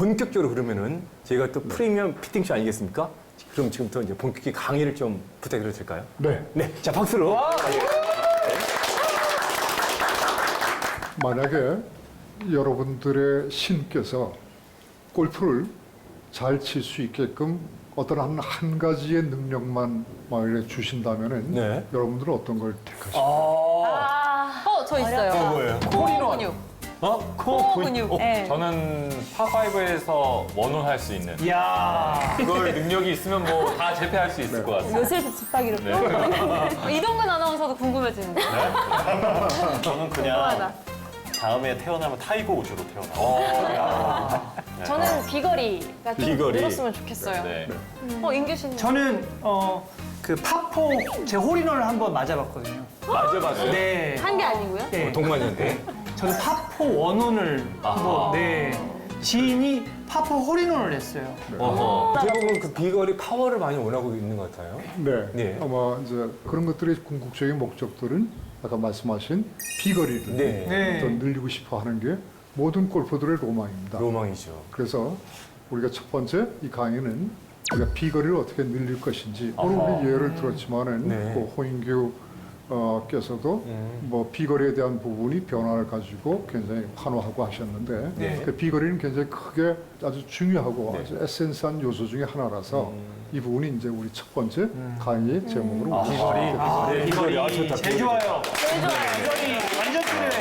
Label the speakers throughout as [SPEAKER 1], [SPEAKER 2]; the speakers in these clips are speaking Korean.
[SPEAKER 1] 본격적으로 그러면은 저희가 또 프리미엄 피팅쇼 아니겠습니까? 그럼 지금부터 이제 본격적인 강의를 좀 부탁드려도 될까요?
[SPEAKER 2] 네.
[SPEAKER 1] 네, 자 박수로.
[SPEAKER 2] 만약에 여러분들의 신께서 골프를 잘 칠 수 있게끔 어떤 한 가지의 능력만 만약에 주신다면은
[SPEAKER 1] 네.
[SPEAKER 2] 여러분들은 어떤 걸 택하실까요?
[SPEAKER 3] 저 있어요.
[SPEAKER 1] 뭐예요?
[SPEAKER 3] 코어 근육. 코어 근육. 네.
[SPEAKER 4] 저는 파5에서 원혼 할 수 있는
[SPEAKER 5] 이야.
[SPEAKER 4] 그걸 능력이 있으면 뭐 다 재패할 수 있을 것 같습니다.
[SPEAKER 3] 요새 집하기로 네. 이동근 아나운서도 궁금해지는데.
[SPEAKER 5] 저는 그냥
[SPEAKER 3] 궁금하다.
[SPEAKER 5] 다음에 태어나면 타이거 우즈로 태어나.
[SPEAKER 3] 저는 비거리가 좀
[SPEAKER 1] 비거리.
[SPEAKER 3] 늘었으면 좋겠어요.
[SPEAKER 4] 네.
[SPEAKER 3] 인규 씨는?
[SPEAKER 6] 저는 그 파포 제 홀인원을 한번 맞아봤거든요.
[SPEAKER 1] 맞아봤어요.
[SPEAKER 6] 네.
[SPEAKER 3] 한 게 아니고요?
[SPEAKER 6] 네.
[SPEAKER 1] 동반인데.
[SPEAKER 6] 저는 파포 원혼을 한번 네. 지인이 파포 홀인원을 했어요.
[SPEAKER 1] 대부분 그 비거리 파워를 많이 원하고 있는 것 같아요.
[SPEAKER 2] 네.
[SPEAKER 1] 네.
[SPEAKER 2] 아마 이제 그런 것들의 궁극적인 목적들은 아까 말씀하신 비거리를
[SPEAKER 1] 네.
[SPEAKER 6] 네.
[SPEAKER 2] 더 늘리고 싶어 하는 게 모든 골퍼들의 로망입니다.
[SPEAKER 1] 로망이죠.
[SPEAKER 2] 그래서 우리가 첫 번째 이 강의는 우리가 비거리를 어떻게 늘릴 것인지 오늘 우리 예를 들었지만은
[SPEAKER 1] 네.
[SPEAKER 2] 그 호인규 께서도 뭐 비거리에 대한 부분이 변화를 가지고 굉장히 환호하고 하셨는데
[SPEAKER 1] 네.
[SPEAKER 2] 그 비거리는 굉장히 크게 아주 중요하고 아주 에센스한 요소 중에 하나라서 이 부분이 이제 우리 첫 번째 강의의 제목으로
[SPEAKER 1] 비거리. 네, 비거리. 아, 좋다.
[SPEAKER 6] 제일 좋아요. 비거리 완전 필요해.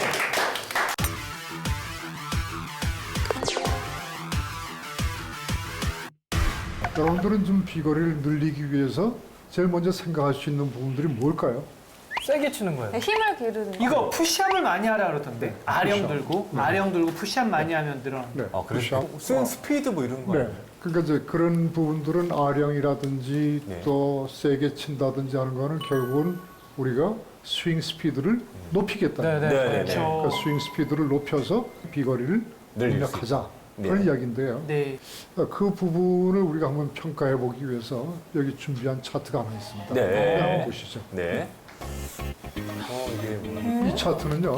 [SPEAKER 2] 여러분들은 좀 비거리를 늘리기 위해서 제일 먼저 생각할 수 있는 부분들이 뭘까요?
[SPEAKER 6] 세게 치는 거예요.
[SPEAKER 3] 힘을 기르는 거.
[SPEAKER 6] 이거 푸시업을 많이 하라 그러던데. 아령 들고, 아령 들고 푸시업 많이 하면 늘어.
[SPEAKER 2] 네.
[SPEAKER 1] 아, 그래서 스윙 스피드 뭐 이런 거.
[SPEAKER 2] 네. 그러니까 이제 그런 부분들은 아령이라든지
[SPEAKER 1] 네.
[SPEAKER 2] 또 세게 친다든지 하는 거는 결국은 우리가 스윙 스피드를 높이겠다는 거예요.
[SPEAKER 1] 네, 네, 네.
[SPEAKER 2] 그러니까 스윙 스피드를 높여서 비거리를
[SPEAKER 1] 늘릴 수
[SPEAKER 2] 입력하자
[SPEAKER 1] 네.
[SPEAKER 2] 그런 이야기인데요.
[SPEAKER 6] 네.
[SPEAKER 2] 그 부분을 우리가 한번 평가해 보기 위해서 여기 준비한 차트가 하나 있습니다.
[SPEAKER 1] 네.
[SPEAKER 2] 한번 보시죠.
[SPEAKER 1] 네. 이게 뭐.
[SPEAKER 2] 이 차트는요,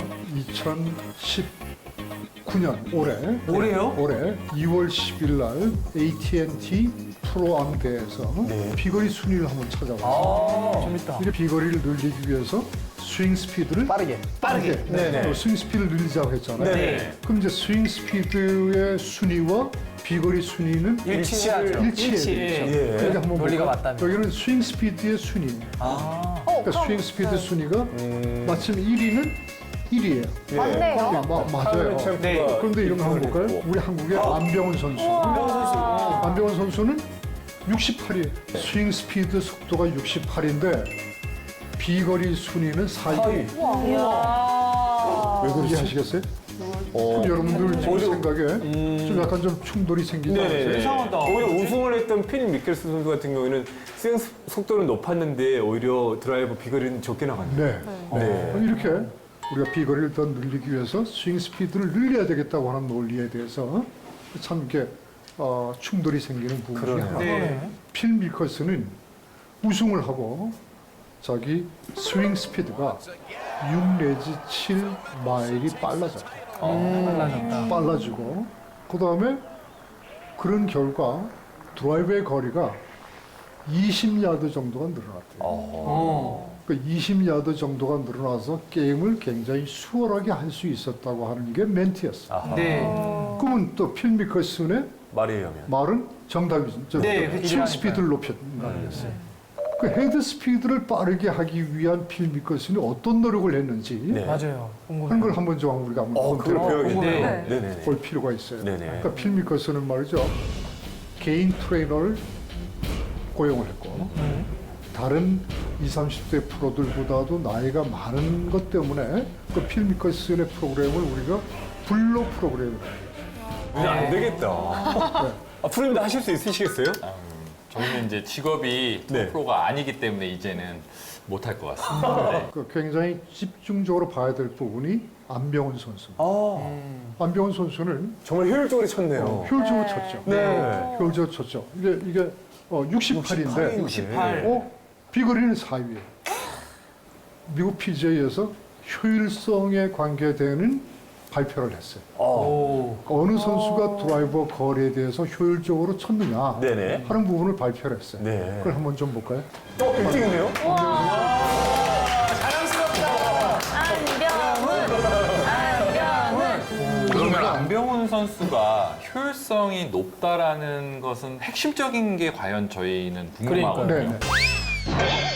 [SPEAKER 2] 2019년
[SPEAKER 6] 올해요?
[SPEAKER 2] 올해 2월 10일 날 AT&T 프로암 대회에서
[SPEAKER 1] 네.
[SPEAKER 2] 비거리 순위를 한번 찾아봤어요.
[SPEAKER 6] 재밌다.
[SPEAKER 2] 이 비거리를 늘리기 위해서 스윙 스피드를 빠르게.
[SPEAKER 1] 네.
[SPEAKER 2] 또 스윙 스피드를 늘리자고 했잖아요.
[SPEAKER 1] 네.
[SPEAKER 2] 그럼 이제 스윙 스피드의 순위와 비거리 순위는
[SPEAKER 6] 일치해야죠.
[SPEAKER 2] 일치해야
[SPEAKER 6] 일치.
[SPEAKER 2] 되죠.
[SPEAKER 1] 예.
[SPEAKER 2] 여기 한번
[SPEAKER 6] 논리가
[SPEAKER 2] 볼까요?
[SPEAKER 6] 맞다면.
[SPEAKER 2] 여기는 스윙 스피드의 순위예요. 그러니까
[SPEAKER 3] 그럼
[SPEAKER 2] 스윙 스피드 순위가 마침 1위는 1위예요.
[SPEAKER 3] 맞네요.
[SPEAKER 2] 맞아요.
[SPEAKER 6] 네.
[SPEAKER 2] 그런데 이런 거 한번 볼까요? 우리 한국의 안병훈 선수. 안병훈 선수는 68이에요. 스윙 스피드 속도가 68인데 비거리 순위는 4위.
[SPEAKER 3] 이야.
[SPEAKER 2] 왜 그런지 아시겠어요? 그럼 여러분들 지금 생각에 좀 약간 좀 충돌이 생기지 않으세요?
[SPEAKER 1] 네.
[SPEAKER 6] 이상하다.
[SPEAKER 1] 오히려 우승을 했던 필 미켈스 선수 같은 경우에는 스윙 속도는 높았는데 오히려 드라이버 비거리는 적게 나갔네요.
[SPEAKER 2] 네.
[SPEAKER 1] 네.
[SPEAKER 2] 이렇게 우리가 비거리를 더 늘리기 위해서 스윙 스피드를 늘려야 되겠다고 하는 논리에 대해서 참 이렇게 충돌이 생기는 부분 중에
[SPEAKER 1] 그러네요.
[SPEAKER 2] 하나.
[SPEAKER 6] 네.
[SPEAKER 2] 필 미켈스는 우승을 하고 자기 스윙 스피드가 6 내지 7 마일이 빨라졌대요. 빨라지고 그 다음에 그런 결과 드라이브의 거리가 20야드 정도가 늘어났대요. 그러니까 20야드 정도가 늘어나서 게임을 굉장히 수월하게 할 수 있었다고 하는 게 멘트였어요.
[SPEAKER 6] 네.
[SPEAKER 2] 그러면 또 필 미켈슨의
[SPEAKER 1] 말에 의하면.
[SPEAKER 2] 말은 정답이죠.
[SPEAKER 6] 네,
[SPEAKER 2] 스윙
[SPEAKER 6] 그렇죠.
[SPEAKER 2] 스피드를 높였다는 거였어요. 그 헤드 스피드를 빠르게 하기 위한 필 미켈슨이 어떤 노력을 했는지
[SPEAKER 1] 네.
[SPEAKER 6] 맞아요.
[SPEAKER 2] 하는
[SPEAKER 6] 궁금해요.
[SPEAKER 2] 걸 한번 좀 우리가 한번
[SPEAKER 1] 그걸 배워야겠네요.
[SPEAKER 6] 네.
[SPEAKER 1] 네네.
[SPEAKER 2] 볼 필요가 있어요.
[SPEAKER 1] 네네.
[SPEAKER 2] 그러니까 필 미켈슨은 말이죠. 개인 트레이너를 고용을 했고 다른 20, 30대 프로들보다도 나이가 많은 것 때문에 그 필 미켈슨의 프로그램을 우리가 블로 프로그램을 해요.
[SPEAKER 1] 이제 안 되겠다. 앞으로는 다 하실 수 있으시겠어요?
[SPEAKER 4] 저는 이제 직업이
[SPEAKER 1] 네.
[SPEAKER 4] 프로가 아니기 때문에 이제는 못할 것 같습니다. 네.
[SPEAKER 2] 그 굉장히 집중적으로 봐야 될 부분이 안병훈 선수입니다. 안병훈 선수는
[SPEAKER 1] 정말 효율적으로 쳤네요.
[SPEAKER 2] 효율적으로 쳤죠.
[SPEAKER 1] 네.
[SPEAKER 2] 효율적으로 쳤죠. 이게 68인데
[SPEAKER 6] 68.
[SPEAKER 2] 비거리는 4위예요. 미국 PGA에서 효율성에 관계되는 발표를 했어요.
[SPEAKER 6] 오.
[SPEAKER 2] 어느 선수가 드라이버 거리에 대해서 효율적으로 쳤느냐
[SPEAKER 1] 네네.
[SPEAKER 2] 하는 부분을 발표를 했어요.
[SPEAKER 1] 네.
[SPEAKER 2] 그걸 한번 좀 볼까요?
[SPEAKER 1] 1등이네요?
[SPEAKER 4] 그러면 안병훈 선수가 효율성이 높다라는 것은 핵심적인 게 과연 저희는 궁금하거든요.
[SPEAKER 2] 네, 네.